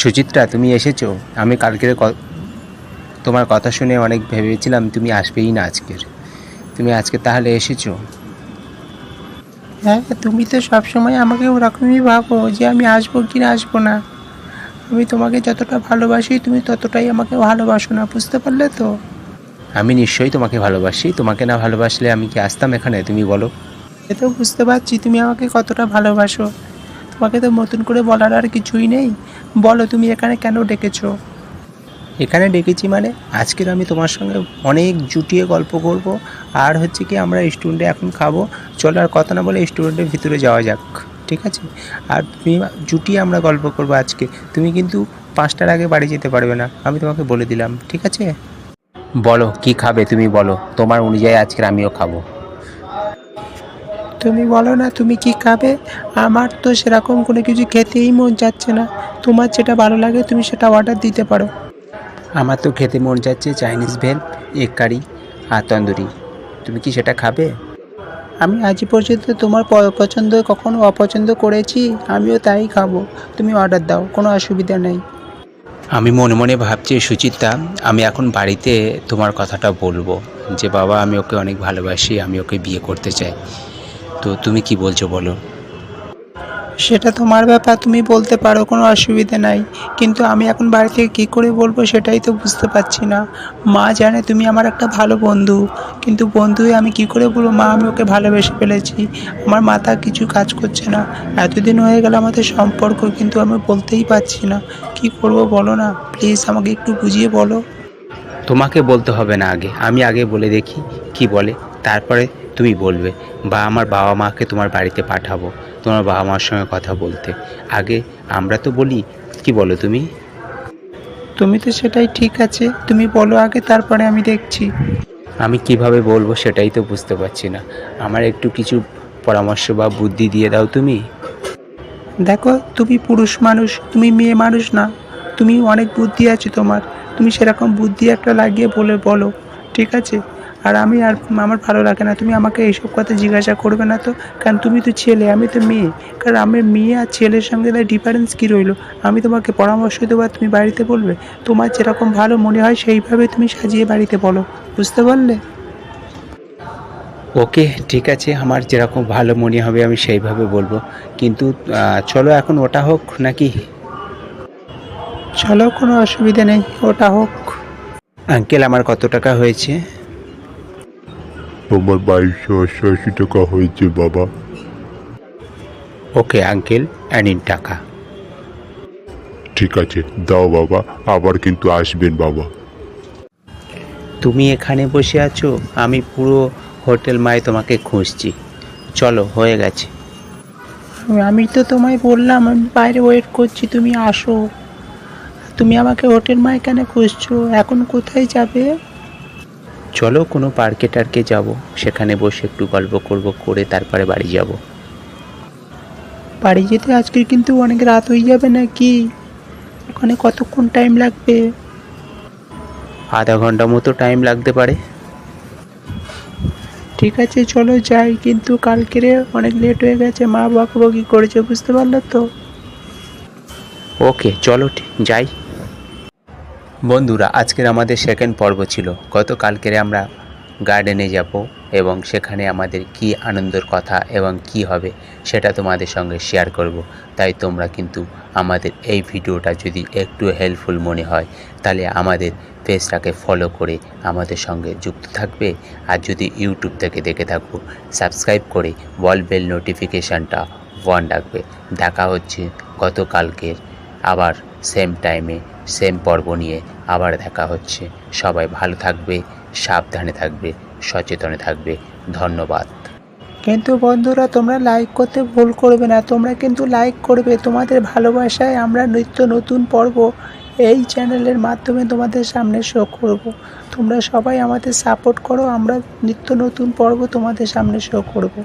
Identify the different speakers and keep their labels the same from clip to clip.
Speaker 1: সুচিত্রা, তুমি এসেছো। আমি কালকের তোমার কথা শুনে অনেক ভেবেছিলাম তুমি আসবেই না আজকের। তুমি আজকে তাহলে এসেছো।
Speaker 2: হ্যাঁ, তুমি তো সবসময় আমাকে ওরকমই ভাবো যে আমি আসবো কি না আসবো না। আমি তোমাকে যতটা ভালোবাসি তুমি ততটাই আমাকে ভালোবাসো না, বুঝতে পারলে তো?
Speaker 1: আমি নিশ্চয়ই তোমাকে ভালোবাসি। তোমাকে না ভালোবাসলে আমি কি আসতাম এখানে, তুমি বলো।
Speaker 2: এ তো বুঝতে পারছি তুমি আমাকে কতটা ভালোবাসো। তোমাকে তো নতুন করে বলার আর কিছুই নেই। বলো তুমি এখানে কেন ডেকেছো?
Speaker 1: এখানে ডেকেছি মানে আজকের আমি তোমার সঙ্গে অনেক জুটিয়ে গল্প করব। আর হচ্ছে কি, আমরা রেস্টুরেন্টে এখন খাবো। চলো আর কথা না বলে রেস্টুরেন্টের ভিতরে যাওয়া যাক, ঠিক আছে? আর তুমি জুটিয়ে আমরা গল্প করবো আজকে। তুমি কিন্তু 5টার আগে বাড়ি যেতে পারবে না, আমি তোমাকে বলে দিলাম, ঠিক আছে? বলো কি খাবে, তুমি বলো। তোমার অনুযায়ী আজকের আমিও খাবো।
Speaker 2: তুমি বলো না তুমি কি খাবে। আমার তো সেরকম কোনো কিছু খেতেই মন যাচ্ছে না। তোমার যেটা ভালো লাগে তুমি সেটা অর্ডার দিতে পারো।
Speaker 1: আমার তো খেতে মন যাচ্ছে চাইনিজ ভেল, এগ কারি আর তন্দুরি। তুমি কি সেটা খাবে?
Speaker 2: আমি আজ পর্যন্ত তোমার পছন্দ কখনো অপছন্দ করেছি? আমিও তাই খাবো। তুমি অর্ডার দাও, কোনো অসুবিধা নেই।
Speaker 1: আমি মনে মনে ভাবছি সুচিত্রা, আমি এখন বাড়িতে তোমার কথাটা বলবো যে বাবা আমি ওকে অনেক ভালোবাসি, আমি ওকে বিয়ে করতে চাই। তো তুমি কি বলছো বলো।
Speaker 2: সেটা তোমার ব্যাপার, তুমি বলতে পারো, কোনো অসুবিধা নাই। কিন্তু আমি এখন বাড়ি থেকে কী করে বলবো সেটাই তো বুঝতে পারছি না। মা জানে তুমি আমার একটা ভালো বন্ধু, কিন্তু বন্ধু হয়ে আমি কী করে বলবো মা আমি ওকে ভালোবেসে ফেলেছি। আমার মাথা কিছু কাজ করছে না। এতদিন হয়ে গেল আমাদের সম্পর্ক, কিন্তু আমি বলতেই পারছি না। কি করব বলো না, প্লিজ আমাকে একটু বুঝিয়ে বলো।
Speaker 1: তোমাকে বলতে হবে না, আমি আগে বলে দেখি কি বলে, তারপরে তুমি বলবে। বা আমার বাবা মাকে তোমার বাড়িতে পাঠাবো তোমার বাবা মার সঙ্গে কথা বলতে। আগে আমরা তো বলি, কি বলো তুমি?
Speaker 2: তুমি তো সেটাই, ঠিক আছে তুমি বলো আগে, তারপরে আমি দেখছি।
Speaker 1: আমি কিভাবে বলবো সেটাই তো বুঝতে পারছি না। আমার একটু কিছু পরামর্শ বা বুদ্ধি দিয়ে দাও তুমি।
Speaker 2: দেখো তুমি পুরুষ মানুষ, তুমি মেয়ে মানুষ না। তুমি অনেক বুদ্ধি আছে তোমার। তুমি সেরকম বুদ্ধি একটা লাগিয়ে বলো, ঠিক আছে? আর আমার ভালো লাগে না তুমি আমাকে এইসব কথা জিজ্ঞাসা করবে না তো। কারণ তুমি তো ছেলে, আমি তো মেয়ে। কারণ আমি মেয়ে আর ছেলের সঙ্গে তার ডিফারেন্স কী রইলো? আমি তোমাকে পরামর্শ দেবো আর তুমি বাড়িতে বলবে। তোমার যেরকম ভালো মনে হয় সেইভাবে তুমি সাজিয়ে বাড়িতে বলো, বুঝতে পারলে?
Speaker 1: ওকে, ঠিক আছে, আমার যেরকম ভালো মনে হবে আমি সেইভাবে বলবো। কিন্তু চলো এখন ওটা হোক নাকি?
Speaker 2: চলো, কোনো অসুবিধা নেই, ওটা হোক।
Speaker 1: আঙ্কেল, আমার কত টাকা হয়েছে?
Speaker 3: তোমার 2288 টাকা হয়েছে বাবা।
Speaker 1: ওকে আঙ্কেল, নিন টাকা।
Speaker 3: ঠিক আছে, দাও বাবা, আবার কিন্তু আসবেন বাবা।
Speaker 1: তুমি এখানে বসে আছো, আমি পুরো হোটেল মায় তোমাকে খুঁজছি। চলো, হয়ে গেছে।
Speaker 2: আমি তো তোমায় বললাম আমি বাইরে ওয়েট করছি, তুমি আসো। তুমি আমাকে হোটেল মায় কেন খুঁজছো? এখন কোথায় যাবে?
Speaker 1: চলো কোনো পার্কে টার্কে যাবো, সেখানে বসে একটু গল্প করব, করে তারপরে বাড়ি যাব।
Speaker 2: বাড়ি যেতে আজকে কিন্তু অনেক রাত হয়ে যাবে নাকি? ওখানে কতক্ষণ টাইম লাগবে?
Speaker 1: আধা ঘন্টা মতো টাইম লাগতে পারে।
Speaker 2: ঠিক আছে চলো যাই, কিন্তু কালকেরে অনেক লেট হয়ে গেছে, মা বকাবকি করেছে, বুঝতে পারলে তো?
Speaker 1: ওকে চলো, যাই। বন্ধুরা, আজকের আমাদের সেকেন্ড পর্ব ছিল। গতকালকেরে আমরা গার্ডেনে যাব এবং সেখানে আমাদের কি আনন্দের কথা এবং কি হবে সেটা তোমাদের সঙ্গে শেয়ার করব। তাই তোমরা কিন্তু আমাদের এই ভিডিওটা যদি একটু হেল্পফুল মনে হয় তাহলে আমাদের পেজটাকে ফলো করে আমাদের সঙ্গে যুক্ত থাকবে। আর যদি ইউটিউব থেকে দেখে থাকো, সাবস্ক্রাইব করে বেল নোটিফিকেশানটা অন রাখবে। দেখা হচ্ছে গতকালকের আবার সেম টাইমে সেম পর্ব নিয়ে আবার দেখা হচ্ছে। সবাই ভালো থাকবে, সাবধানে থাকবে, সচেতনে থাকবে। ধন্যবাদ।
Speaker 2: কিন্তু বন্ধুরা তোমরা লাইক করতে ভুল করবে না, তোমরা কিন্তু লাইক করবে। তোমাদের ভালোবাসায় আমরা নিত্য নতুন পর্ব এই চ্যানেলের মাধ্যমে তোমাদের সামনে শো করব। তোমরা সবাই আমাদের সাপোর্ট করো, আমরা নিত্য নতুন পর্ব তোমাদের সামনে শো করব।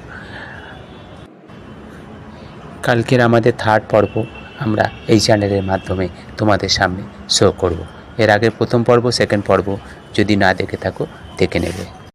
Speaker 1: কালকের আমাদের থার্ড পর্ব আমরা এই চ্যানেলের মাধ্যমে তোমাদের সামনে শো করব। এর আগের প্রথম পর্ব, সেকেন্ড পর্ব যদি না দেখে থাকো দেখে নেবে।